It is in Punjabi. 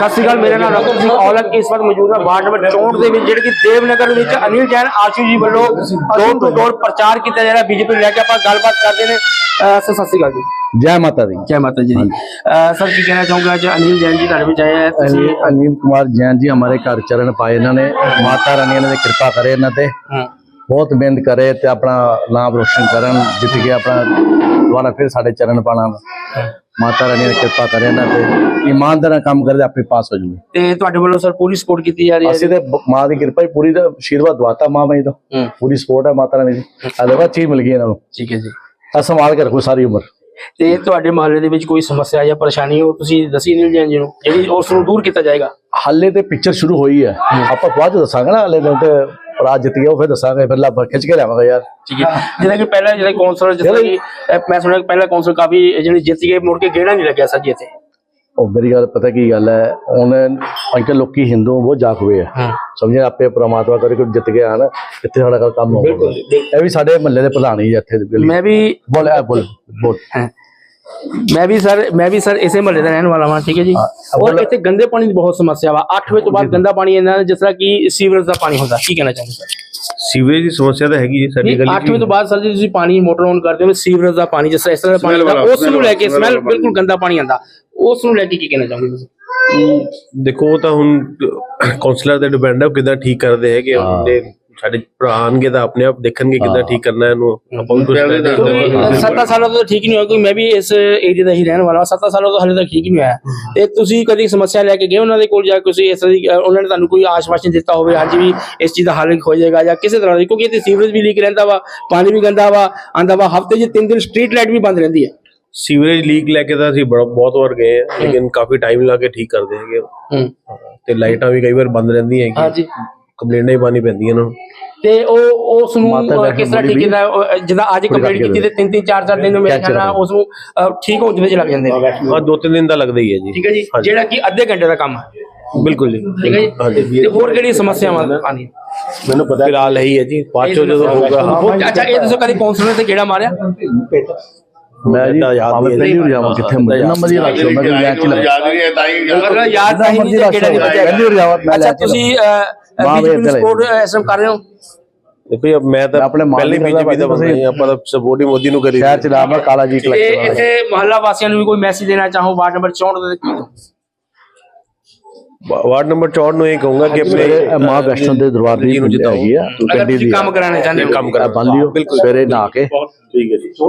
ਸਤਿ ਸ਼੍ਰੀ ਅਕਾਲ, ਮੇਰਾ ਨਾਮ ਰਤਨ ਸਿੰਘ ਔਲਖ ਇਸ ਵਕਤ ਮੌਜੂਦ ਹਾਂ ਵਾਰਡ ਨੰਬਰ 64 ਦੇ ਵਿੱਚ, ਜਿਹੜੀ ਕਿ ਦੇਵਨਗਰ ਵਿੱਚ ਅਨਿਲ ਜੈਨ ਆਸ਼ੂ ਜੀ ਵੱਲੋਂ ਡੋਰ ਟੂ ਡੋਰ ਪ੍ਰਚਾਰ ਕੀਤਾ ਜਾ ਰਿਹਾ ਬੀਜੇਪੀ ਨੂੰ ਲੈ ਕੇ। ਆਪਾਂ ਗੱਲਬਾਤ ਕਰਦੇ ਨੇ। ਸਰ ਸਤਿ ਸ਼੍ਰੀ ਅਕਾਲ जी। जय माता दी। जय माता जी। सर की कहना चाहूंगा आज अनिल जैन जी घर में आए हैं। अनिल कुमार जैन जी हमारे घर चरण पाए, इन्होंने माता रानी ने कृपा करे, इन्होंने बहुत मेहनत करे ते अपना नाम रोशन करन, जित के अपना दोबारा फिर साढ़े चरण पाना। माता रानी ने कृपा करे, इन्होंने ईमानदार काम करे अपने पास हो जाए। ਤੇ ਤੁਹਾਡੇ ਵੱਲੋਂ ਸਰ ਪੂਰੀ ਸਪੋਰਟ ਕੀਤੀ ਜਾ ਰਹੀ ਹੈ। ਅਸੀਂ ਤੇ ਮਾਂ ਦੀ ਕਿਰਪਾ ਹੀ ਪੂਰੀ ਦਾ ਆਸ਼ੀਰਵਾਦ ਦਵਾਤਾ ਮਾਂ ਬਾਈ ਤੋਂ, ਪੂਰੀ ਸਪੋਰਟ ਹੈ ਮਾਤਾ ਰਾਣੀ ਦੀ। ਅਲਵਾ ਚੀਜ਼ ਮਿਲ ਗਈ ਇਹਨਾਂ ਨੂੰ। ਠੀਕ ਹੈ ਜੀ। ਆ ਸੰਭਾਲ ਕੇ ਰੱਖੋ ਸਾਰੀ ਉਮਰ। ਤੇ ਤੁਹਾਡੇ ਮਹੱਲੇ ਦੇ ਵਿੱਚ ਕੋਈ ਸਮੱਸਿਆ ਜਾਂ ਪਰੇਸ਼ਾਨੀ ਹੋ, ਤੁਸੀਂ ਦੱਸੀ ਅਨਿਲ ਜੈਨ ਜੀ ਨੂੰ, ਜਿਹੜੀ ਉਸ ਨੂੰ ਦੂਰ ਕੀਤਾ ਜਾਏਗਾ। ਹਾਲੇ ਤੇ ਪਿਕਚਰ ਸ਼ੁਰੂ ਹੋਈ ਹੈ, ਆਪਾਂ ਬਾਅਦ ਚ ਦੱਸਾਂਗੇ ਨਾ। ਹਾਲੇ ਤੇ ਰਾਜ ਜਿੱਤ ਗਿਆ, ਉਹ ਫਿਰ ਦੱਸਾਂਗੇ, ਫਿਰ ਲੱਭ ਖਿੱਚ ਕੇ ਲਿਆਵਾਂਗਾ ਯਾਰ। ਠੀਕ ਹੈ। ਜਿਵੇਂ ਕਿ ਪਹਿਲਾਂ ਜਿਹੜੇ ਕੌਂਸਲਰ, ਜਿਸ ਤਰ੍ਹਾਂ ਕਿ ਮੈਂ ਸੁਣਿਆ ਪਹਿਲਾ ਕੌਂਸਲਰ ਕਾਫੀ ਜਿਹੜੇ ਜਿੱਤ ਗਏ, ਮੁੜ ਕੇ ਗੇੜਾ ਨਹੀਂ ਲੱਗਿਆ ਸਰ ਜੀ ਇੱਥੇ। ਉਹ ਮੇਰੀ ਗੱਲ ਪਤਾ ਕੀ ਗੱਲ ਹੈ, ਹੁਣ ਅੱਜ ਲੋਕੀ ਹਿੰਦੂ ਬਹੁਤ ਜਾਗ ਹੋਏ ਆ, ਸਮਝੇ ਆਪੇ ਪ੍ਰਮਾਤਮਾ ਕਰੇ ਕੋਈ ਜਿੱਤ ਗਿਆ ਹਨ, ਇੱਥੇ ਸਾਡਾ ਕੰਮ ਹੋਊਗਾ। ਇਹ ਵੀ ਸਾਡੇ ਮਹੱਲੇ ਦੇ ਪ੍ਰਧਾਨ ਹੀ ਇੱਥੇ। ਮੈਂ ਵੀ ਬੋਲ ਮੈਂ ਵੀ ਸਰ ਇਸੇ ਮਹੱਲੇ ਦਾ ਰਹਿਣ ਵਾਲਾ ਹਾਂ। ਠੀਕ ਹੈ ਜੀ। ਔਰ ਇੱਥੇ ਗੰਦੇ ਪਾਣੀ ਦੀ ਬਹੁਤ ਸਮੱਸਿਆ ਵਾ। 8 ਵਜੇ ਤੋਂ ਬਾਅਦ ਗੰਦਾ ਪਾਣੀ ਇਹਨਾਂ ਜਿਸ ਤਰ੍ਹਾਂ ਕਿ ਸੀਵਰੇਜ ਦਾ ਪਾਣੀ ਹੁੰਦਾ। ਕੀ ਕਹਿਣਾ ਚਾਹੁੰਦੇ ਸਰ? ਸੀਵਰੇਜ ਦੀ ਸਮੱਸਿਆ ਤਾਂ ਹੈਗੀ ਜੀ ਸਾਡੀ ਗਲੀ 8 ਵਜੇ ਤੋਂ ਬਾਅਦ ਸਰ ਜੀ ਤੁਸੀਂ ਪਾਣੀ ਮੋਟਰ ਔਨ ਕਰਦੇ ਹੋ, ਸੀਵਰੇਜ ਦਾ ਪਾਣੀ ਜਿਸ ਤਰ੍ਹਾਂ ਇਸ ਤਰ੍ਹਾਂ ਦਾ ਪਾਣੀ ਆਉਂਦਾ, ਉਸ ਨੂੰ ਲੈ ਕੇ ਸਮੈਲ ਬਿਲਕੁਲ ਗੰਦਾ ਪਾਣੀ ਆਉਂਦਾ, ਉਸ ਨੂੰ ਲੈ ਕੇ ਕੀ ਕਹਿਣਾ ਚਾਹੁੰਦੇ ਤੁਸੀਂ? ਦੇਖੋ ਉਹ ਤਾਂ ਹੁਣ ਕਾਉਂਸਲਰ ਤੇ ਡਿਪੈਂਡ ਹੈ, ਉਹ ਕਿੱਦਾਂ ਠੀਕ ਕਰਦੇ ਹੈਗੇ। ਉਹਦੇ ਸਾਡੇ ਭਰਾ ਆਣਗੇ ਤਾਂ ਆਪਣੇ ਆਪ ਦੇਖਣਗੇ ਕਿੱਦਾਂ ਠੀਕ ਕਰਨਾ ਇਹਨੂੰ। ਆਪਾਂ ਵੀ ਕੁਝ 7 ਸਾਲਾਂ ਤੋਂ ਠੀਕ ਨਹੀਂ ਹੋਇਆ, ਕਿਉਂਕਿ ਮੈਂ ਵੀ ਇਸ ਏਰੀਆ ਦਾ ਹੀ ਰਹਿਣ ਵਾਲਾ। 7 ਸਾਲਾਂ ਤੋਂ ਹਾਲੇ ਤੱਕ ਠੀਕ ਨਹੀਂ ਹੋਇਆ। ਤੇ ਤੁਸੀਂ ਕਦੀ ਸਮੱਸਿਆ ਲੈ ਕੇ ਗਏ ਉਹਨਾਂ ਦੇ ਕੋਲ, ਜਾਂ ਤੁਸੀਂ ਇਸ ਤਰ੍ਹਾਂ ਉਹਨਾਂ ਨੇ ਤੁਹਾਨੂੰ ਕੋਈ ਆਸ਼ਵਾਸਨ ਦਿੱਤਾ ਹੋਵੇ ਹਾਂਜੀ ਵੀ ਇਸ ਚੀਜ਼ ਦਾ ਹੱਲ ਹੋ ਜਾਏਗਾ, ਜਾਂ ਕਿਸੇ ਤਰ੍ਹਾਂ ਦੀ? ਕਿਉਂਕਿ ਇੱਥੇ ਸੀਵਰੇਜ ਵੀ ਲੀਕ ਰਹਿੰਦਾ ਵਾ, ਪਾਣੀ ਵੀ ਗੰਦਾ ਵਾ ਆਂਦਾ ਵਾ, ਹਫ਼ਤੇ 'ਚ 3 ਦਿਨ ਸਟਰੀਟ ਲਾਈਟ ਵੀ ਬੰਦ ਰਹਿੰਦੀ ਹੈ। ਸੀਵਰੇਜ ਲੀਕ ਲੈ ਕੇ ਤਾਂ ਅਸੀਂ ਬਹੁਤ ਵਾਰ ਗਏ ਆ, ਲੇਕਿਨ ਕਾਫੀ ਟਾਈਮ ਲਾ ਕੇ ਠੀਕ ਕਰਦੇ ਹੈਗੇ। ਤੇ ਲਾਈਟਾਂ ਵੀ ਕਈ ਵਾਰ ਬੰਦ ਰਹਿੰਦੀਆਂ ਹੈਗੀਆਂ। ਹਾਂਜੀ, ਕੰਪਲੇਂਟਾਂ ਹੀ ਪਾਣੀ ਪੈਂਦੀਆਂ ਉਹਨਾਂ ਨੂੰ। ਤੇ ਉਹ ਉਸ ਨੂੰ ਕਿਸ ਤਰ੍ਹਾਂ ਠੀਕ ਕੀਤਾ? ਜਿੱਦਾਂ ਅੱਜ ਕੰਪਲੀਟ ਕੀਤੀ ਤੇ 3-3 4-4 ਦਿਨ ਮੇਰੇ ਖਿਆਲ ਨਾਲ ਉਸ ਨੂੰ ਠੀਕ ਹੋਣ ਦੇ ਵਿੱਚ ਲੱਗ ਜਾਂਦੇ ਨੇ। ਹਾਂ, 2-3 ਦਿਨ ਦਾ ਲੱਗਦਾ ਹੀ ਹੈ ਜੀ। ਠੀਕ ਹੈ ਜੀ, ਜਿਹੜਾ ਕਿ ਅੱਧੇ ਘੰਟੇ ਦਾ ਕੰਮ ਹੈ। ਬਿਲਕੁਲ ਜੀ। ਠੀਕ ਹੈ ਜੀ। ਤੇ ਹੋਰ ਕਿਹੜੀ ਸਮੱਸਿਆਵਾਂ ਆਉਂਦੀਆਂ? ਮੈਨੂੰ ਪਤਾ ਫਿਲਹਾਲ ਇਹੀ ਹੈ ਜੀ, ਬਾਅਦ ਚੋਂ ਜਦੋਂ ਹੋਊਗਾ। ਅੱਛਾ, ਇਹ ਦੱਸੋ ਕਦੀ ਕੌਂਸਲਰ ਤੇ ਕਿਹੜਾ ਮਾਰਿਆ? ਮੈਂ ਜੀ ਪਹਿਲੀ ਵਾਰ ਜਾਵਾਂ ਕਿੱਥੇ ਨਾ ਮਰਜ਼ੀ ਰੱਖ ਲਓ, ਮੈਂ ਕੋਈ ਲੈਚ ਲੱਗ ਯਾਦ ਨਹੀਂ ਕਿਹੜਾ ਨਹੀਂ ਬਚਿਆ। ਪਹਿਲੀ ਵਾਰ ਜਾਵਾਂ ਮੈਂ। ਅੱਛਾ, ਤੁਸੀਂ ਬੀਜੇਪੀ ਨੂੰ ਸਪੋਰਟ ਐਸਐਮ ਕਰ ਰਹੇ ਹੋ? ਦੇਖੋ ਮੈਂ ਤਾਂ ਆਪਣੇ ਪਹਿਲੇ ਬੀਜੇਪੀ ਦਾ ਬੰਦਾ ਹੀ, ਆਪਾਂ ਤਾਂ ਸਪੋਰਟ ਹੀ ਮੋਦੀ ਨੂੰ ਕਰੀ। ਸ਼ਹਿਰ ਚ ਲਾਵਾ ਕਾਲਾ ਜੀ ਕਲੈਕਟਰ। ਇੱਥੇ ਮੁਹੱਲਾ ਵਾਸੀਆਂ ਨੂੰ ਵੀ ਕੋਈ ਮੈਸੇਜ ਦੇਣਾ ਚਾਹੋ ਵਾਰਡ ਨੰਬਰ 64 ਦੇ? ਵਾਰਡ ਨੰਬਰ 64 ਨੂੰ ਇਹ ਕਹੂੰਗਾ ਕਿ ਆਪਣੇ ਮਾਂ ਵੈਸ਼ਨੋ ਦੇ ਦਰਬਾਰ ਦੀ ਹੈਗੀ ਆ, ਅਗਰ ਤੁਸੀਂ ਕੰਮ ਕਰਾਉਣਾ ਚਾਹੁੰਦੇ ਹੋ, ਕੰਮ ਕਰਾ ਬੰਨ ਲਿਓ ਸਵੇਰੇ ਨਹਾ ਕੇ। ਠੀਕ ਹੈ ਜੀ।